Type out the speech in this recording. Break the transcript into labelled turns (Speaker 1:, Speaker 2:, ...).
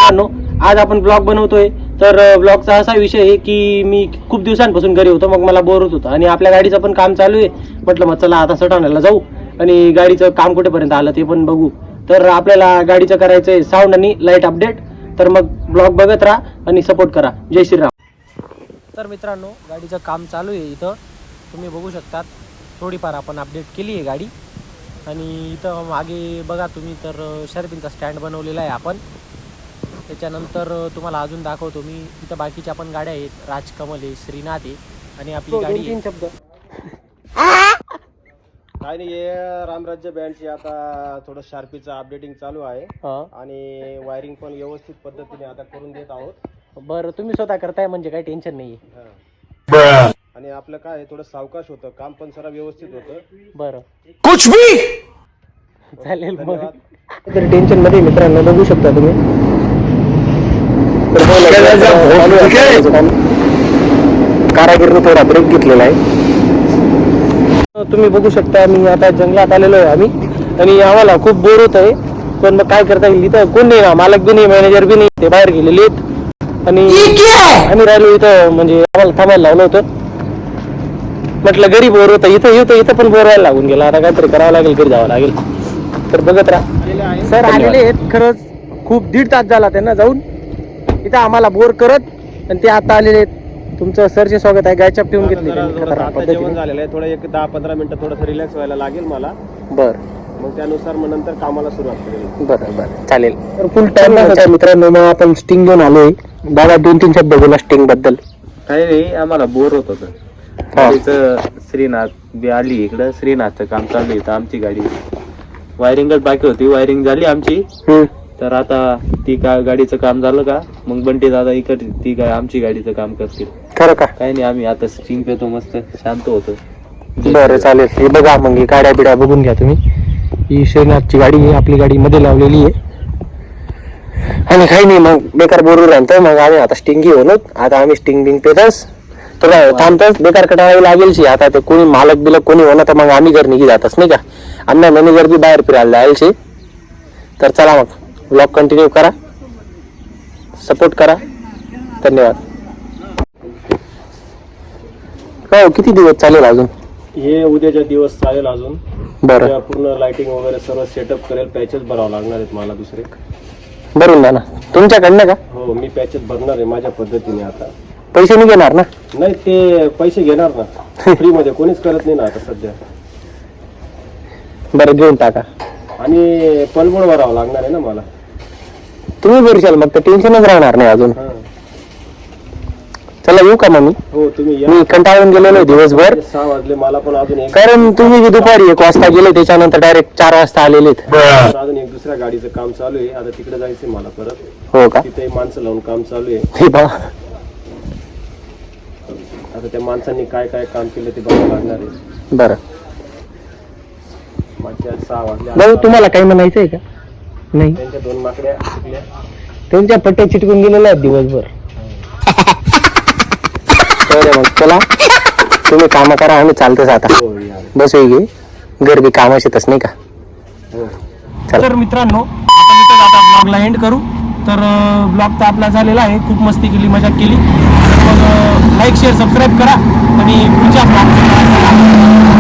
Speaker 1: मित्रांनो, आज आपण ब्लॉग बनवतोय. तर ब्लॉगचा असा विषय आहे की मी खूप दिवसांपासून घरी होतो, मग मला बोर होत होतं आणि आपल्या गाडीचं पण काम चालू आहे. म्हटलं मग चला आता सटाण्याला जाऊ आणि गाडीचं काम कुठेपर्यंत आलं ते पण बघू. तर आपल्याला गाडीचं करायचंय साऊंड आणि लाईट अपडेट. तर मग ब्लॉग बघत राहा आणि सपोर्ट करा. जय श्रीराम. तर मित्रांनो, गाडीचं काम चालू आहे. इथं तुम्ही बघू शकतात, थोडीफार आपण अपडेट केली आहे गाडी. आणि इथं मागे बघा तुम्ही, तर शर्पिनचा स्टँड बनवलेला आहे आपण. त्याच्यानंतर तुम्हाला अजून दाखवतो मी. इथं बाकीच्या पण गाड्या आहेत, राजकमल आहे, श्रीनाथ आहे आणि आपली गाडी. 2-3 शब्द
Speaker 2: काय नाही, हे रामराज्य बँडची आता थोडं शार्पीचं अपडेटिंग चालू आहे आणि वायरिंग पण व्यवस्थित पद्धतीने आता करून देत आहोत.
Speaker 1: बरं, तुम्ही स्वतः करताय म्हणजे काही टेन्शन नाही आहे.
Speaker 2: आणि आपलं काय आहे, थोडं सावकाश होतं काम, पण सगळं व्यवस्थित होतं.
Speaker 1: बरं, कुछ भी चालेल. मग तर टेन्शन मध्ये मित्रांनो बघू शकता तुम्ही. कारागीरने थोडा ब्रेक घेतलेला आहे. तुम्ही बघू शकता, मी आता जंगलात आलेलो आहे आम्ही, आणि आम्हाला खूप बोर होत आहे. पण मग काय करता येईल, इथं कोण नाही ना, मालक बी नाही, मॅनेजर बी नाही, ते बाहेर गेलेले आहेत. आणि आम्ही राहिलो इथं, म्हणजे आम्हाला थांबायला लावलं होतं. म्हटलं घरी बोर होतं, इथं पण बोर व्हायला लागून गेला. आता काहीतरी करावं लागेल, घरी जावं लागेल. तर बघत राहा. सर आलेले आहेत खरंच, खूप 1.5 तास झाला त्यांना जाऊन इथं आम्हाला बोर करत, आणि ते आता आलेले आहेत. तुमचं सरचे स्वागत आहे. गायचप ठेवून घेतली
Speaker 2: जेवण झालेलं आहे. थोडं 10-15 मिनिटं थोडंसं रिलॅक्स व्हायला लागेल मला.
Speaker 1: बरं,
Speaker 2: मग त्यानुसार मग नंतर कामाला सुरुवात करेल.
Speaker 1: बरं चालेल. तर फुल टाइम मित्रांनो, मग आपण स्टिंग घेऊन आलोय. दादा 2-3 शब्द बोला स्टिंग बद्दल.
Speaker 3: काही नाही, आम्हाला बोर होत होतं. गाडीचं श्रीनाथ बी आली इकडं, श्रीनाथचं काम चालू आहे. आमची गाडी वायरिंगच बाकी होती, वायरिंग झाली आमची. तर आता ती गाडीचं काम झालं का, मग बंटी दादा इकडे ती काय आमची गाडीचं काम करतील.
Speaker 1: खरं का?
Speaker 3: काही नाही, आम्ही आता स्टिंग पेतो, मस्त शांत होतो.
Speaker 1: बरं चालेल. हे बघा, मग ही गाड्या बिड्या बघून घ्या तुम्ही. ही श्रीनाथची गाडी आहे, आपली गाडी मध्ये लावलेली आहे. आणि काही नाही, मग बेकार बोलू राहतो. मग आम्ही आता स्टिंग घेऊन आता आम्ही स्टिंग बिंग पेतच तुला थांबतच, बेकार कटाळावी लागेल. आता ते कोणी मालक बिलक कोणी होणार, तर मग आम्ही घर निघी जातच नाही का. आम्ही मॅनेजर बी बाहेर फिरायला जायचे. तर चला मग ब्लॉग कंटिन्यू करा, सपोर्ट करा. धन्यवाद. हो, किती दिवस चालेल अजून?
Speaker 2: हे उद्याच्या दिवस चालेल अजून.
Speaker 1: बरं,
Speaker 2: पूर्ण लाइटिंग वगैरे सर्व सेटअप करेल. पॅचेस भरावं लागणार आहेत मला दुसरे.
Speaker 1: भरून द्या ना तुमच्याकडनं का?
Speaker 2: हो, मी पॅचेस भरणार आहे माझ्या पद्धतीने. आता
Speaker 1: पैसे नाही घेणार ना?
Speaker 2: नाही, ते पैसे घेणार ना, फ्री मध्ये कोणीच करत नाही ना आता सध्या.
Speaker 1: बरं, घेऊन टाका.
Speaker 2: आणि पलबोड भरावं लागणार आहे ना मला.
Speaker 1: तुम्ही भरशाल, मग तर टेन्शनच राहणार नाही अजून. चला येऊ का मग मी?
Speaker 2: हो, तुम्ही या.
Speaker 1: मी कंटाळून गेलेलो आहे दिवसभर.
Speaker 2: 6 वाजले, मला पण अजून
Speaker 1: कारण तुम्ही दुपारी 1 वाजता गेले, त्याच्यानंतर डायरेक्ट 4 वाजता आलेले.
Speaker 2: अजून एक दुसऱ्या गाडीचं काम चालू आहे. आता तिकडे जायचंय मला परत.
Speaker 1: हो का?
Speaker 2: तिथे माणसं लावून काम चालू आहे.
Speaker 1: हे बा,
Speaker 2: आता त्या माणसांनी काय काय काम केलं ते बघावं लागणार आहे.
Speaker 1: बरं.
Speaker 2: माझ्या 6 वाजले.
Speaker 1: भाऊ, तुम्हाला काही म्हणायचंय का? नाही,
Speaker 2: त्यांच्या 2 माकड्या सुटल्या.
Speaker 1: त्यांच्या पट्ट्या चिटकून गेलेल्या आहेत दिवसभर. मग चला, तुम्ही काम करा, आम्ही चालतोच आता. बस घे, घर बी कामाशीतच नाही का. तर मित्रांनो, आपण इथं आता ब्लॉगला एंड करू. तर ब्लॉग तर आपला झालेला आहे. खूप मस्ती केली, मजा केली. तर मग लाईक शेअर सबस्क्राईब करा आणि पुढच्या ब्लॉग